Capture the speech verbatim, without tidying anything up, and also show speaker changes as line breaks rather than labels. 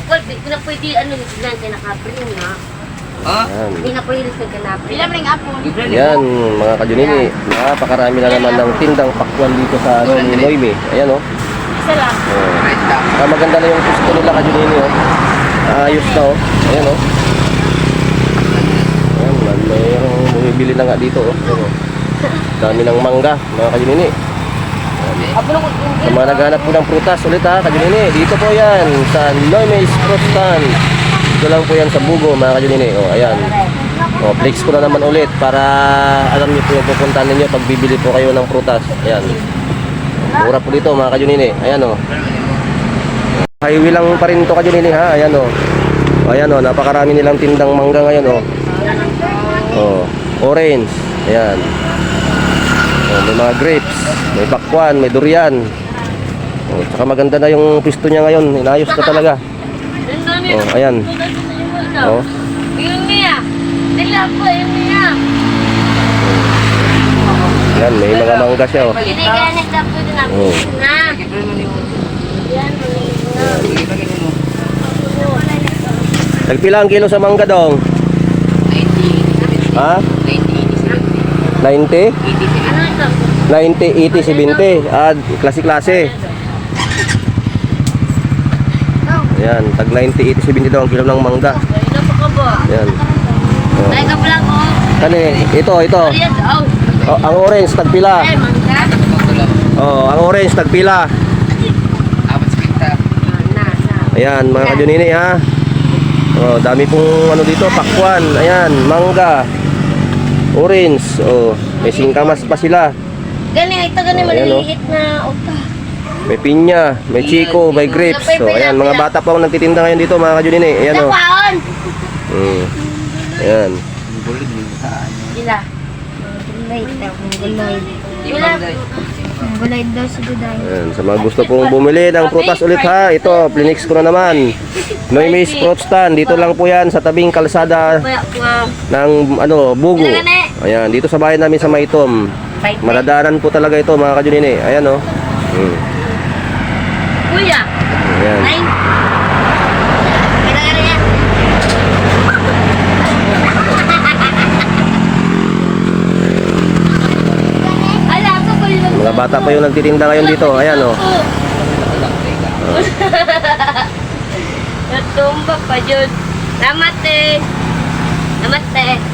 Pakwal, di ko na pwede ano yung tignan kaya nakapring ha.
Ah?
Yan.
Hindi na pwede sa kanapring. Ilang ring apon?
Yan, mga kajunini. Napakarami na naman ng tindang pakwan dito sa ano, ni Noime. Ayan o. Oh.
Isa lang.
Oh. Ah, maganda na yung gusto nila kajunini o. Oh. Ayos na o. Oh. Ayan o. Oh. Ayan, mayroong bumibili na nga dito o. Oh. Ayan, oh. Dami ng mangga, mga kajunini. Sa mga naghanap po ng prutas ulit ha, kajunini. Dito po yan, sa Noime's Fruit Stand. Dito lang po yan sa Bugo, mga kajunini. O, ayan. O, flex ko na naman ulit para alam niyo po yung pupuntahan ninyo pag bibili po kayo ng prutas. Ayan. Mura po dito, mga kajunini. Ayan o. Highway lang pa rin ito, kajunini ha. Ayan o. Ayan o, napakarami nilang tindang mangga ngayon o. O, orange. Ayan. O, may mga grapes, may pakwan, may durian. O, tsaka maganda na yung pisto niya ngayon. Inayos na talaga. O, ayan. O.
Yung niya. Dila po, yung niya.
Ayan, may mga mangga siya o.
Hindi kaya nagtapo din ako.
Oh.
Na. Yan,
Nagpila ang kilo sa mangga dong? Ha? ninety?
ano ito?
ninety, eighty, seventy. Ah, klase-klase. Ayan, tag ninety, eighty, seventy daw ang kilo ng mangga.
Ito pa ka ba?
Ayan. Oh.
Ay, ka pala ko.
Kani, ito, ito.
Ayan, oh.
Oh, ang orange tagpila.
Ay, mangga.
Oh, ang orange tagpila.
Na, na.
Ayan, mga kajunini ha. Oh, dami pong ano dito, pakwan. Ayan, mangga. Orange. Oh, may singkamas pa sila.
Gani, ito gani
Oh, ayan,
maliliit na upa.
May pinya, may chico, may grapes. So, ayan, mga bata pa ang nagtitinda ngayon dito, mga kajunini. Ayan oh.
Napaon!
Mm. Ayan.
Sila. Gulay, gulay. Gulay. Gulay daw si Duday.
Ayan, sa mga gusto pong bumili ng prutas ulit ha, ito, plinix ko na naman. Noime's Fruit Stand, dito lang po yan sa tabing kalsada ng ano, Bugo. Ayan, dito sa bahay namin sa Maitom. Madadaanan po talaga ito, mga kajunini. Ayan oh. Hmm.
Kuya.
Ayan.
Nine. Kailangan yan. Ala, ako ko yung
Mga bata pa yung nagtitinda ngayon dito. Ayan oh.
Natumba pa dyan. Salamat eh. Salamat eh.